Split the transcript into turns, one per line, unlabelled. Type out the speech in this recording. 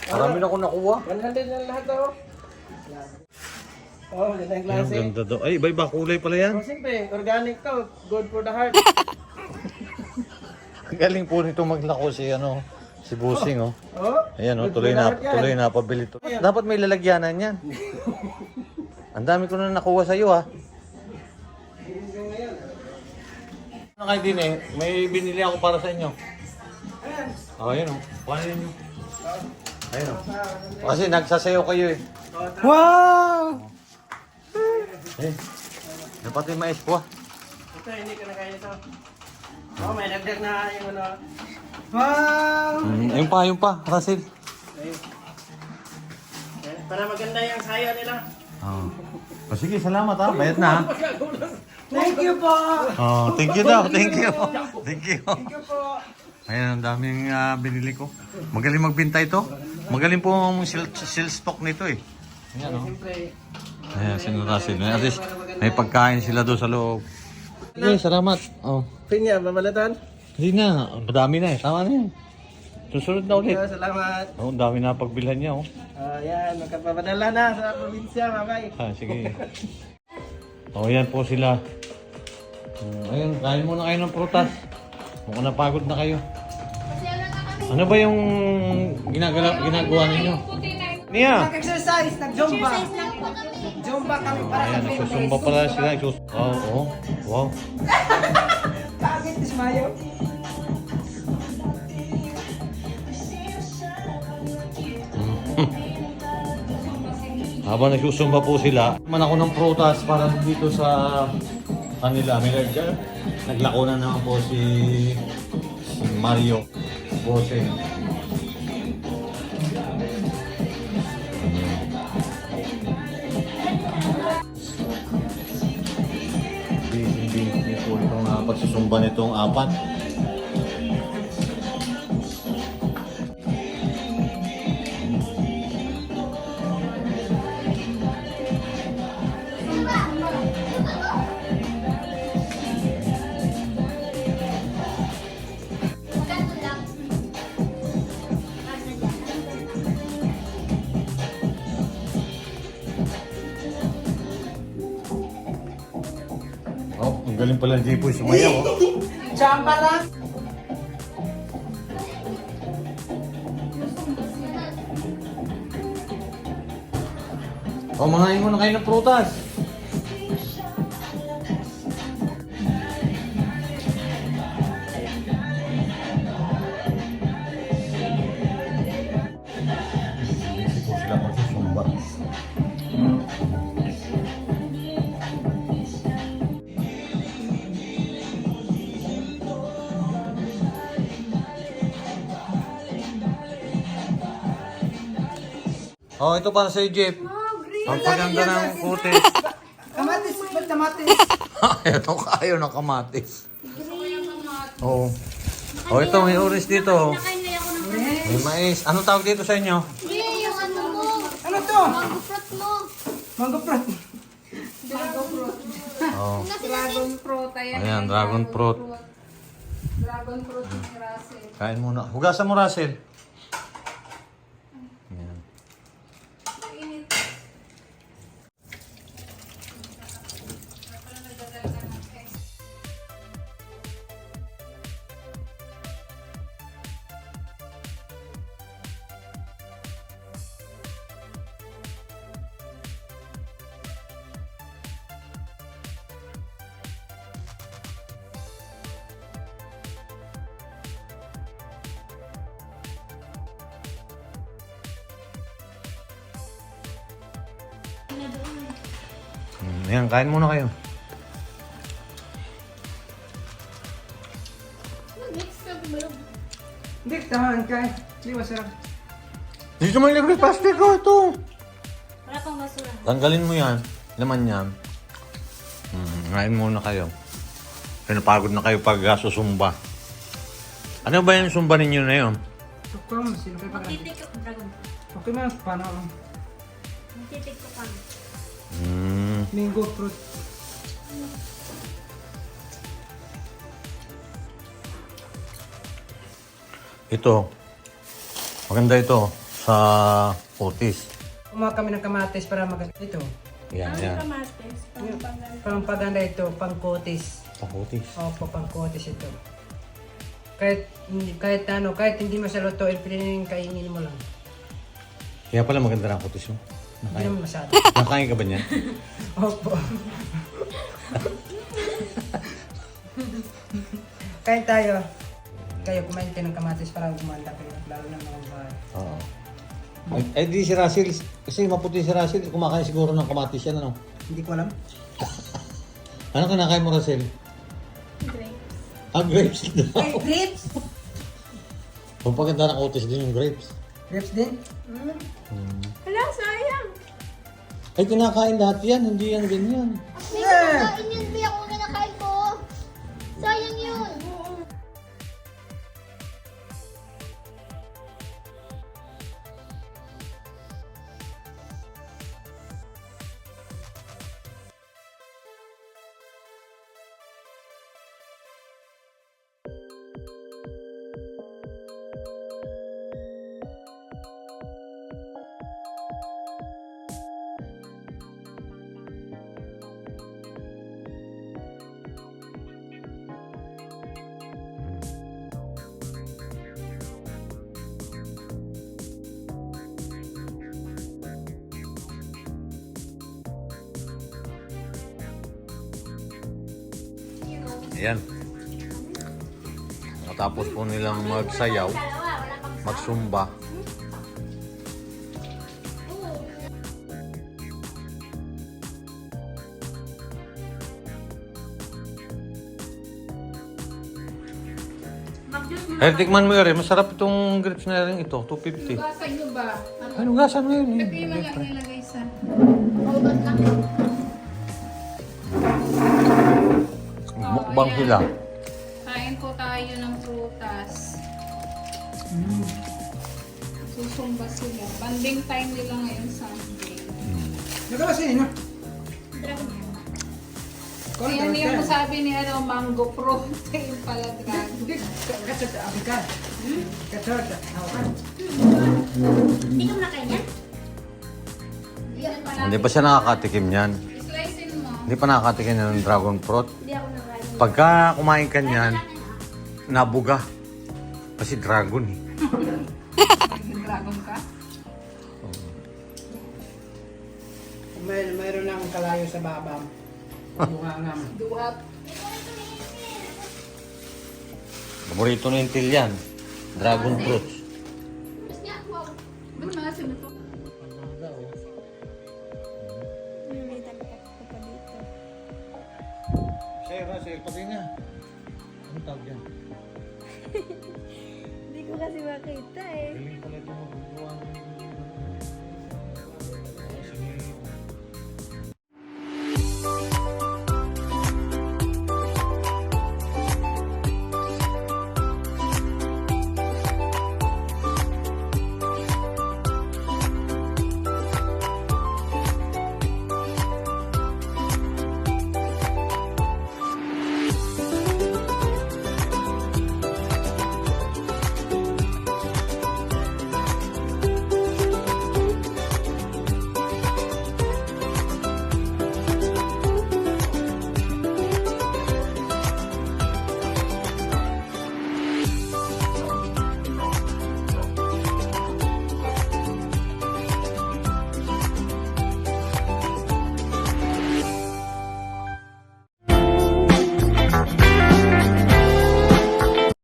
Marami na akong nakuha.
100 na lahat oh. Oh, ganda yung
Ay, ang
klase.
ganda daw. Ay, iba-iba kulay pala yan.
Oh, siyempre, organic to. Good for the heart.
Galing po nito maglako si si Busing oh.
Oh,
Ayan oh,
good for the heart yan.
tuloy na pabili to. Dapat may lalagyanan yan. Ang dami ko na nakuha sa iyo ha. Ano kayo din eh, may binili ako para sa inyo. Oh, ayan oh. Paano yun yun? Ayun oh. Kasi nagsasayaw kayo eh.
Wow!
Eh, dapat yung mais po ah.
Ito, hindi ko na kaya ito. Oh, may nagdag na yung ano. Wow!
Yung pa, Russell.
Okay. Para maganda yung sayo nila.
Oh. Oh, sige, salamat ha. Bayad na ha.
Thank you po!
Oh, thank you daw. Thank you. Thank you.
Thank you po!
Ayan, ang daming binili ko. Magaling magbinta ito. Magaling po ang sales stock nito eh. Ayan oh.
Siyempre.
Ayan, sinurasin. At least may pagkain sila doon sa loob. Okay, salamat. Oh.
Pinya, babalatan?
Hindi na. Madami na eh. Tama na yan. Susunod na ulit.
Salamat.
Oh, ang dami na pagbilhan niya oh.
Yan, magkapapadala na sa probinsya, babay.
Sige. Oh, yan po sila. Ayun, kain muna kayo ng prutas. Mukhang napagod na kayo. Ano ba yung ginagawa ninyo? Nia!
Nag-exercise, nag-zumba. Zumba kami para sa
Ayan,
fitness.
nagsusumba pala sila. Wow, oh. Wow.
Bakit, Ismayo?
Habang nagsusumba po sila, man ako ng prutas para dito sa kanila. Naglako na naman po si Mario Bose. Busy po itong pagsusumba nitong apat. Oh, ang galing pala ng Jipoy sumayaw oh.
Chamba lang.
Oh, mangain muna kayo ng prutas. Busy po sila magsusumba. Oh, ito para sa Jeff. Ang paganda ng kutis.
Kamatis, ba't kamatis?
Ito kayo ng kamatis. Oo. Oh, ito may orange dito. May mais. Anong tawag dito sa inyo?
Yung ano mo,
Ano to?
mango fruit mo.
Mango fruit.
Oh.
Dragon fruit, ayan.
Ayan, dragon fruit.
Dragon fruit ni Russell.
Kain muna. Hugasan mo, Russell. Ayan. Ayan, kain muna kayo.
Hindi, tamaan ka eh. Hindi masarap.
Dito may libre plastic ko ito.
Wala pang basura.
Tanggalin mo yan. Laman yan. Kain muna kayo. Pinapagod na kayo pag susumba. Ano ba yung sumba ninyo na yun?
Tukro mo, sino kayo pagkakas?
Titiktok dragon fruit.
Okay man, paano lang?
Titiktok kami.
Mango fruit.
Ito. Maganda ito. sa kutis.
Kumuha kami ng kamatis para ito.
Yan, yan.
Kamates.
Pangpaganda ito, pangkutis.
Sa kutis.
Opo, pangkutis ito. Kahit hindi mo sa lutuin, pwede kainin mo lang.
Kaya pala maganda ng kutis mo.
Hindi naman masyado.
Nakain ka ba niyan?
Opo. Kain tayo. Kayo kumain kayo ng kamatis para gumanda kayo, lalo na mga bahay.
Oo. Ay, di si Russell, kasi maputi si Russell, kumakain siguro ng kamatis yan, ano?
Hindi ko alam.
Ano kinakain mo, Russell?
Grapes.
Ah, grapes daw.
Ay, grapes!
Pampaganda ng kutis din yung grapes.
Grapes din?
Hala, sayang.
Ay, kinakain lahat yan, hindi yan ganyan.
May kinakain yun, Bea, kung kinakain ko. Sayang yun.
Ayan. Matapos po nilang magsayaw, magsumba. Eh, tikman mo yun, masarap itong grapes na rin ito, 250.
Basan nyo ba?
Ay, nugasan mo yun.
Lagay mo lang nilagay sa...
Mukbang sila.
Kain po tayo ng prutas. Susumba sila. Banding time nila ngayon Sunday.
Nagkabasin, no?
Yan yung sabi ni mango protein pala dragon.
Katsot, abikan. Katsot, hawakan.
Hindi ka nakain yan?
Hindi pa siya nakakatikim yan.
Slicein mo.
Hindi pa nakakatikim yan ng dragon fruit.
Hindi ako nakain.
Pagka kumain ka niyan, nabuga. Kasi dragon eh.
Dragon ka?
Mayroon lang kalayo sa babam. Bungangam.
Duwat.
Paborito ni Intil yan. Dragon fruits.
Ba't mga sino to?
May tagpak ko pa dito.
Sa'yo, pati nga. Ano tawag yan?
Hindi ko kasi makita eh.
Galing pala ito magagawa ng